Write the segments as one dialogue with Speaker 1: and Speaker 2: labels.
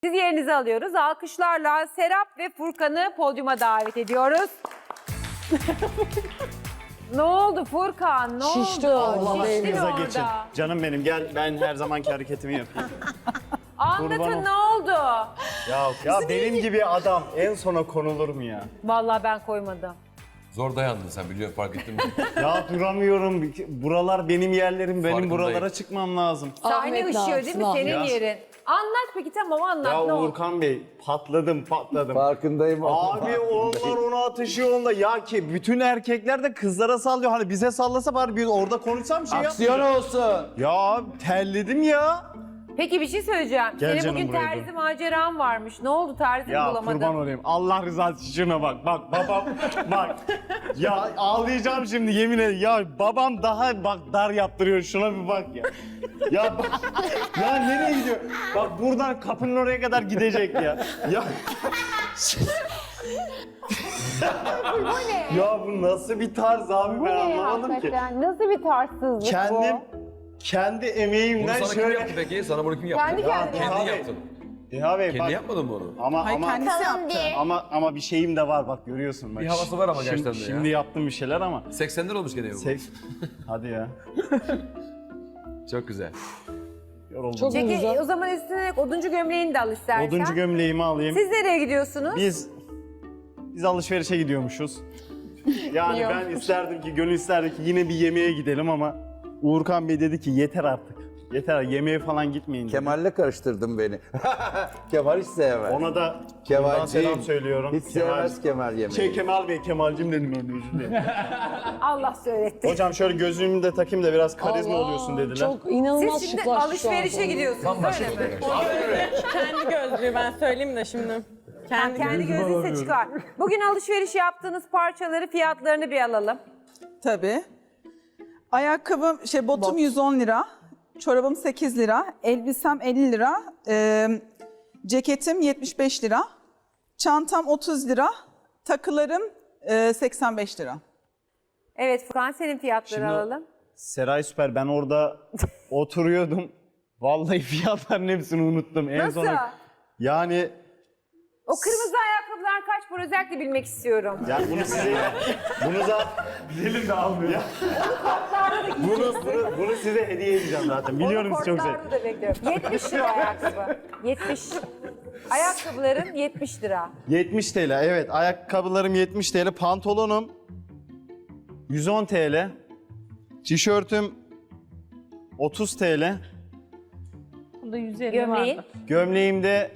Speaker 1: Siz yerinizi alıyoruz. Alkışlarla Serap ve Furkan'ı podyuma davet ediyoruz. Ne oldu Furkan? Ne
Speaker 2: Şişti
Speaker 1: oldu?
Speaker 2: Allah
Speaker 1: Şiştin
Speaker 3: Başınıza
Speaker 1: orada.
Speaker 3: geçin. Canım benim gel ben her zamanki hareketimi yapayım.
Speaker 1: Anlatın
Speaker 3: Kurban
Speaker 1: ne oldu?
Speaker 3: Ya benim gibi adam en sona konulur mu ya?
Speaker 1: Vallahi ben koymadım.
Speaker 4: Zor dayandın sen biliyorum fark ettin mi?
Speaker 3: Ya duramıyorum. Buralar benim yerlerim. Benim
Speaker 4: Farkındayım.
Speaker 3: buralara çıkmam lazım.
Speaker 1: Sahne
Speaker 2: Ahmet
Speaker 1: ışıyor
Speaker 2: ne
Speaker 1: değil mi?
Speaker 2: yapsın,
Speaker 1: Senin
Speaker 3: Ahmet?
Speaker 1: yerin. Anlat peki tamam anlat
Speaker 3: Ya
Speaker 1: ne oldu?
Speaker 3: Uğurkan Bey patladım.
Speaker 5: Farkındayım.
Speaker 3: Abi onlar ona atışıyor onda. Ya ki bütün erkekler de kızlara sallıyor. Hani bize sallasa bari biz orada konuşsam şey
Speaker 5: Aksiyon olsun.
Speaker 3: Ya terledim ya.
Speaker 1: Peki bir şey söyleyeceğim.
Speaker 3: Gel
Speaker 1: Senin
Speaker 3: canım
Speaker 1: bugün
Speaker 3: buraya
Speaker 1: terzi maceran varmış. Ne oldu terzi
Speaker 3: Ya
Speaker 1: bulamadın?
Speaker 3: kurban olayım. Allah rızası için şuna bak. Bak babam bak. Ya ağlayacağım şimdi yemin ederim. Ya babam daha bak dar yaptırıyor. Şuna bir bak ya. Ya bak. Ya nereye gidiyor? Bak buradan kapının oraya kadar gidecek ya. Ya. Ya bu nasıl bir tarz abi ben anlamadım ki.
Speaker 1: Nasıl bir tarzsızlık
Speaker 3: Kendi
Speaker 4: Bunu
Speaker 3: emeğimden
Speaker 4: sana kim
Speaker 3: şöyle.
Speaker 4: yaptı peki? Sana bunu kim yaptı?
Speaker 1: Kendi kendine.
Speaker 4: Kendin
Speaker 3: Abi,
Speaker 4: yaptın.
Speaker 3: Deha Bey
Speaker 4: Kendi
Speaker 3: bak.
Speaker 4: yapmadın mı onu?
Speaker 3: Ama bir şeyim de var bak görüyorsun bak.
Speaker 4: Bir havası var ama
Speaker 3: Şimdi-
Speaker 4: gerçekten de ya.
Speaker 3: Şimdi yaptım bir şeyler ama.
Speaker 4: 80'ler olmuş gene bu.
Speaker 3: Hadi ya.
Speaker 4: Çok güzel.
Speaker 3: Yoruldum.
Speaker 2: Çok
Speaker 1: Peki
Speaker 2: güzel.
Speaker 1: o zaman üstüne oduncu gömleğini de al istersen.
Speaker 3: Oduncu gömleğimi alayım.
Speaker 1: Siz nereye gidiyorsunuz?
Speaker 3: Biz alışverişe gidiyormuşuz. Yani ben isterdim ki, gönül isterdi ki yine bir yemeğe gidelim ama Uğurkan Bey dedi ki yeter artık. Yeter yemeğe falan gitmeyin dedi.
Speaker 5: Kemal'le karıştırdın beni. Kemal hiç sevmez.
Speaker 3: Ona da buradan
Speaker 5: Kemalciğim.
Speaker 3: selam söylüyorum.
Speaker 5: Hiç sevmez Kemal yemeği.
Speaker 3: Kemal Bey, Kemal'cim dedim ben de özür dilerim.
Speaker 1: Allah söyletti.
Speaker 3: Hocam şöyle gözlüğümü de takayım da biraz karizma
Speaker 2: Allah,
Speaker 3: oluyorsun dediler.
Speaker 2: Çok inanılmaz
Speaker 1: Siz şimdi
Speaker 2: şıklaştı şu an.
Speaker 1: alışverişe gidiyorsunuz öyle mi?
Speaker 6: Kendi gözlüğü ben söyleyeyim de şimdi.
Speaker 1: Kendi gözünüzle çıkar. Bugün alışveriş yaptığınız parçaları fiyatlarını bir alalım.
Speaker 6: Tabii. Ayakkabım, botum 110 lira, çorabım 8 lira, elbisem 50 lira, ceketim 75 lira, çantam 30 lira, takılarım 85 lira.
Speaker 1: Evet Furkan senin fiyatları
Speaker 3: Şimdi-
Speaker 1: alalım.
Speaker 3: Seray Süper ben orada oturuyordum. Vallahi fiyatların hepsini unuttum. En
Speaker 1: Nasıl?
Speaker 3: sona yani
Speaker 1: O kırmızı ayakkabılar kaç para özellikle bilmek istiyorum.
Speaker 3: yani bunu da dilim de almıyor. Ya. bunu size hediye edeceğim zaten. Biliyorum siz çok
Speaker 1: Kortlarda da bekliyorum. 70 lira ayakkabı. 70. Ayakkabıların 70 lira.
Speaker 3: 70 TL evet ayakkabılarım 70 TL, pantolonum 110 TL, tişörtüm 30 TL,
Speaker 6: Bunda 150
Speaker 1: Gömleğin
Speaker 3: gömleğim de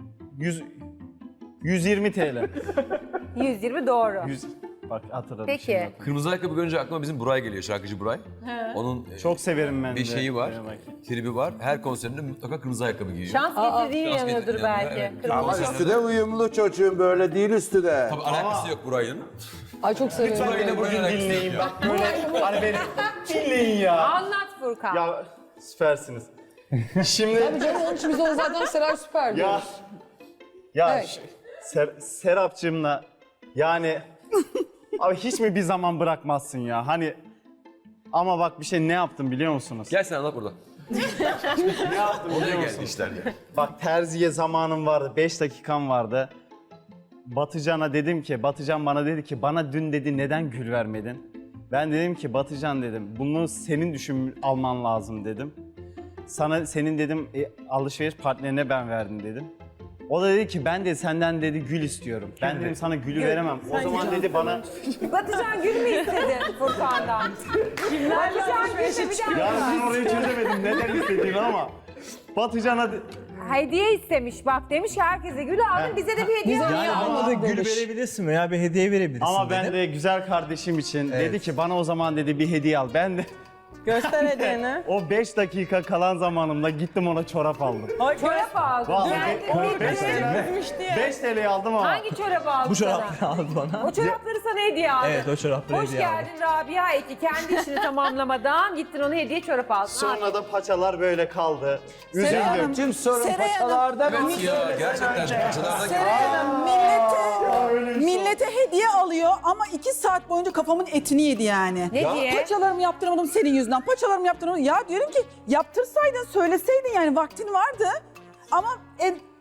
Speaker 3: 120 TL.
Speaker 1: 120 doğru.
Speaker 3: Bak hatırladım
Speaker 1: Peki.
Speaker 3: şimdi.
Speaker 4: Kırmızı ayakkabı görünce aklıma bizim Buray geliyor, şarkıcı Buray. Onun
Speaker 3: Çok severim ben
Speaker 4: bir
Speaker 3: de.
Speaker 4: şeyi var,
Speaker 3: Bak.
Speaker 4: tribi var. Her konserinde mutlaka kırmızı ayakkabı giyiyor.
Speaker 1: Şans getirdiği
Speaker 4: Şans
Speaker 1: yanıyordur
Speaker 4: getirdiği
Speaker 1: belki.
Speaker 4: yanıyor, evet.
Speaker 1: Kırmızı
Speaker 5: Ama
Speaker 1: şans.
Speaker 5: üstü de uyumlu çocuğun böyle değil üstü de.
Speaker 4: Tabii alakası yok Buray'ın.
Speaker 2: Ay çok seviyorum.
Speaker 4: Lütfen yine
Speaker 3: Bugün
Speaker 4: Buray'ın
Speaker 3: dinleyin
Speaker 4: alakası
Speaker 3: bak böyle hani beni dinleyin ya.
Speaker 1: Anlat Furkan.
Speaker 3: Ya süpersiniz. Şimdi
Speaker 2: Tabii canım onun için biz ona zaten Seray Süper
Speaker 3: ya
Speaker 2: diyoruz. Evet.
Speaker 3: Serapcığımla yani abi hiç mi bir zaman bırakmazsın ya hani ama bak bir şey ne yaptım biliyor musunuz?
Speaker 4: Gel sen anlat burada.
Speaker 3: Ne yaptım
Speaker 4: Oraya
Speaker 3: biliyor
Speaker 4: geldi
Speaker 3: musunuz?
Speaker 4: işler ya.
Speaker 3: Bak terziye zamanım vardı 5 dakikam vardı. Batıcan'a dedim ki Batıcan bana dedi ki bana dün dedi neden gül vermedin? Ben dedim ki Batıcan dedim bunu senin alman lazım dedim. Senin dedim alışveriş partnerine ben verdim dedim. O da dedi ki ben de senden dedi gül istiyorum. Ben dedim sana gülü veremem. O zaman dedi bana
Speaker 1: Batıcan gül mü istedin Furkan'dan? Batıcan gül bir
Speaker 3: ya
Speaker 1: dakika.
Speaker 3: ben orayı çözemedim neden istediğini ama Batıcan'a
Speaker 1: Hediye istemiş bak demiş ki herkese gül aldın bize de bir hediye
Speaker 2: Bize
Speaker 1: al.
Speaker 2: niye almadık
Speaker 7: Gül
Speaker 2: demiş.
Speaker 7: verebilirsin veya bir hediye verebilirsin
Speaker 3: ama ben
Speaker 7: dedim.
Speaker 3: de güzel kardeşim için dedi ki bana o zaman dedi bir hediye al. Ben de
Speaker 6: Göster hediyeni.
Speaker 3: o 5 dakika kalan zamanımda gittim ona çorap aldım.
Speaker 1: Çorap aldın.
Speaker 3: Vallahi
Speaker 1: Geldi,
Speaker 3: 5 TL. 5 TL aldım ama.
Speaker 1: Hangi çorabı aldın
Speaker 7: Bu
Speaker 1: sana?
Speaker 7: çorapları aldı bana.
Speaker 1: O çorapları sana hediye aldı.
Speaker 7: Evet o çorapları
Speaker 1: Hoş
Speaker 7: hediye aldı.
Speaker 1: geldin Rabia Eki. Kendi işini tamamlamadan gittin ona hediye çorap aldın.
Speaker 3: Sonra da paçalar böyle kaldı. Üzüldüm.
Speaker 6: Hanım,
Speaker 5: Tüm sorun
Speaker 6: Seray Hanım,
Speaker 5: paçalarda mı?
Speaker 4: Evet ya gerçekten şu parçalardan
Speaker 6: Seray Hanım millete hediye alıyor ama 2 saat boyunca kafamın etini yedi yani.
Speaker 1: Ne diye?
Speaker 6: Paçalarımı yaptıramadım senin yüzünden. Paçalarımı yaptıramadım. Ya diyorum ki yaptırsaydın söyleseydin yani vaktin vardı. Ama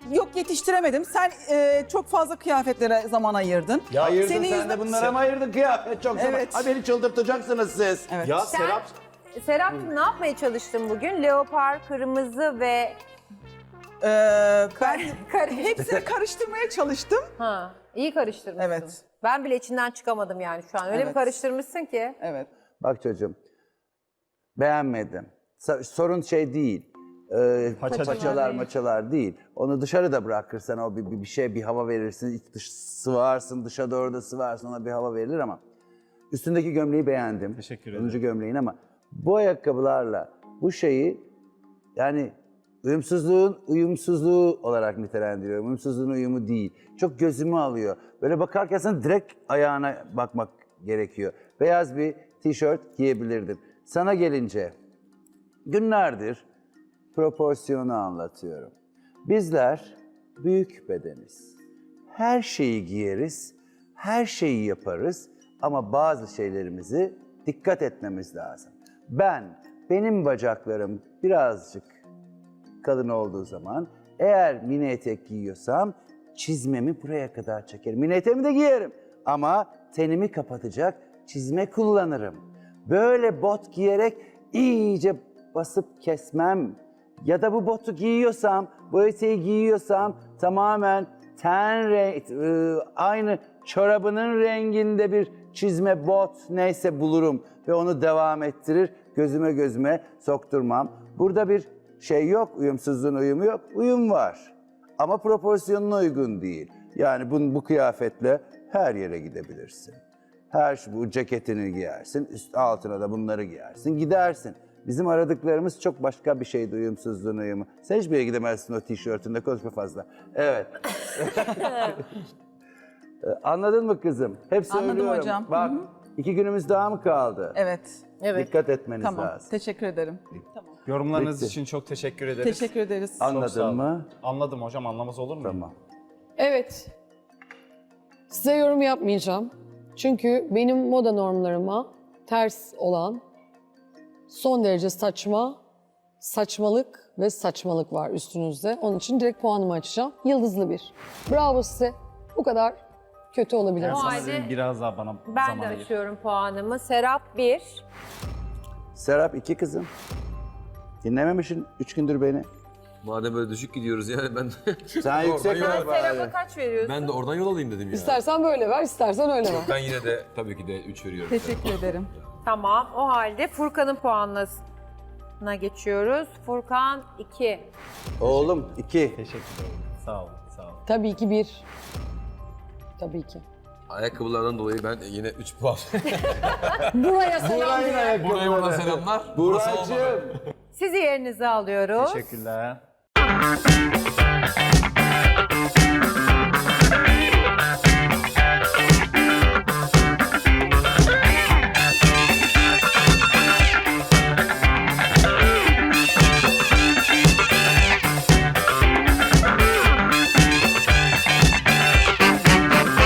Speaker 6: Yok yetiştiremedim. Sen çok fazla kıyafetlere zaman ayırdın.
Speaker 5: Ayırdın
Speaker 6: Senin
Speaker 5: sen
Speaker 6: yüzünden-
Speaker 5: de bunlara mı ayırdın kıyafet çok zaman?
Speaker 6: Evet.
Speaker 5: Ha beni çıldırtacaksınız siz.
Speaker 6: Evet.
Speaker 3: Ya
Speaker 1: Sen,
Speaker 3: Serap
Speaker 1: Serap'cığım ne yapmaya çalıştın bugün? Leopar, kırmızı ve...
Speaker 6: Ben
Speaker 1: Kare.
Speaker 6: hepsini karıştırmaya çalıştım.
Speaker 1: Ha, iyi karıştırmışsın.
Speaker 6: Evet.
Speaker 1: Ben bile içinden çıkamadım yani şu an. Öyle bir
Speaker 6: Evet.
Speaker 1: karıştırmışsın ki.
Speaker 6: Evet.
Speaker 5: Bak çocuğum, beğenmedim. Sorun şey değil. Paçalar maçalar değil. Onu dışarıda bırakırsan o bir şey, bir hava verirsin. İç dış sıvarsın, dışa doğru da sıvarsın, ona bir hava verilir ama. Üstündeki gömleği beğendim.
Speaker 3: Teşekkür ederim.
Speaker 5: 10. gömleğin ama bu ayakkabılarla bu şeyi yani uyumsuzluğun uyumsuzluğu olarak nitelendiriyorum. Uyumsuzluğun uyumu değil. Çok gözümü alıyor. Böyle bakarken sana direkt ayağına bakmak gerekiyor. Beyaz bir tişört giyebilirdin. Sana gelince günlerdir proporsiyonu anlatıyorum. Bizler büyük bedeniz. Her şeyi giyeriz, her şeyi yaparız ama bazı şeylerimizi dikkat etmemiz lazım. Benim bacaklarım birazcık kalın olduğu zaman eğer mini etek giyiyorsam çizmemi buraya kadar çekerim. Mini eteğimi de giyerim ama tenimi kapatacak çizme kullanırım. Böyle bot giyerek iyice basıp kesmem. Ya da bu botu giyiyorsam, bu eteği giyiyorsam tamamen aynı çorabının renginde bir çizme bot neyse bulurum ve onu devam ettirir. Gözüme sokturmam. Burada bir şey yok, uyumsuzluğun uyumu yok. Uyum var ama proporsiyonuna uygun değil. Yani bu kıyafetle her yere gidebilirsin. Bu ceketini giyersin, üst altına da bunları giyersin, gidersin. Bizim aradıklarımız çok başka bir şeydi uyumsuzluğun uyumu. Sen hiçbir yere gidemezsin o tişörtünde, konuşma fazla. Evet. Anladın mı kızım? Hep
Speaker 6: Anladım
Speaker 3: şey
Speaker 5: söylüyorum.
Speaker 6: hocam.
Speaker 5: Bak 2 günümüz daha mı kaldı?
Speaker 6: Evet.
Speaker 1: Evet.
Speaker 5: Dikkat etmeniz
Speaker 6: Tamam.
Speaker 5: lazım.
Speaker 6: Teşekkür ederim. Tamam.
Speaker 3: yorumlarınız
Speaker 5: Bitti.
Speaker 3: için çok teşekkür ederiz.
Speaker 6: Teşekkür ederiz.
Speaker 3: Çok sağ
Speaker 5: Anladın
Speaker 3: olun.
Speaker 5: mı?
Speaker 3: Anladım hocam, anlamaz olur mu?
Speaker 5: Tamam.
Speaker 2: Evet. Size yorum yapmayacağım. Çünkü benim moda normlarıma ters olan son derece saçmalık ve saçmalık var üstünüzde. Onun için direkt puanımı açacağım. Yıldızlı 1. Bravo size. Bu kadar kötü olabilir.
Speaker 3: Ben
Speaker 1: O
Speaker 3: sana
Speaker 1: halde
Speaker 3: sizin biraz daha bana
Speaker 1: Ben de
Speaker 3: zaman ayır.
Speaker 1: açıyorum puanımı. Serap 1.
Speaker 5: Serap 2 kızım. Dinlememişsin 3 gündür beni.
Speaker 4: Madem böyle düşük gidiyoruz yani ben
Speaker 5: Sen yüksek
Speaker 4: Oradan
Speaker 5: ver
Speaker 4: yol-
Speaker 5: bari.
Speaker 1: Serap'a kaç veriyorsun?
Speaker 4: ben de oradan yol alayım dedim ya.
Speaker 2: İstersen böyle ver, istersen öyle ver.
Speaker 4: Ben yine de tabii ki de 3 veriyorum.
Speaker 6: Teşekkür ederim.
Speaker 1: Tamam. O halde Furkan'ın puanına geçiyoruz. Furkan 2.
Speaker 5: Oğlum 2.
Speaker 3: Teşekkür ederim. Sağ olun, sağ olun.
Speaker 2: Tabii ki 1. Tabii ki.
Speaker 4: Ayakkabılardan dolayı ben yine 3 puan.
Speaker 2: Buraya selam.
Speaker 4: Buraya buradan selamlar. Burası olmadı.
Speaker 5: Buracığım.
Speaker 1: Sizi yerinize alıyoruz.
Speaker 3: Teşekkürler.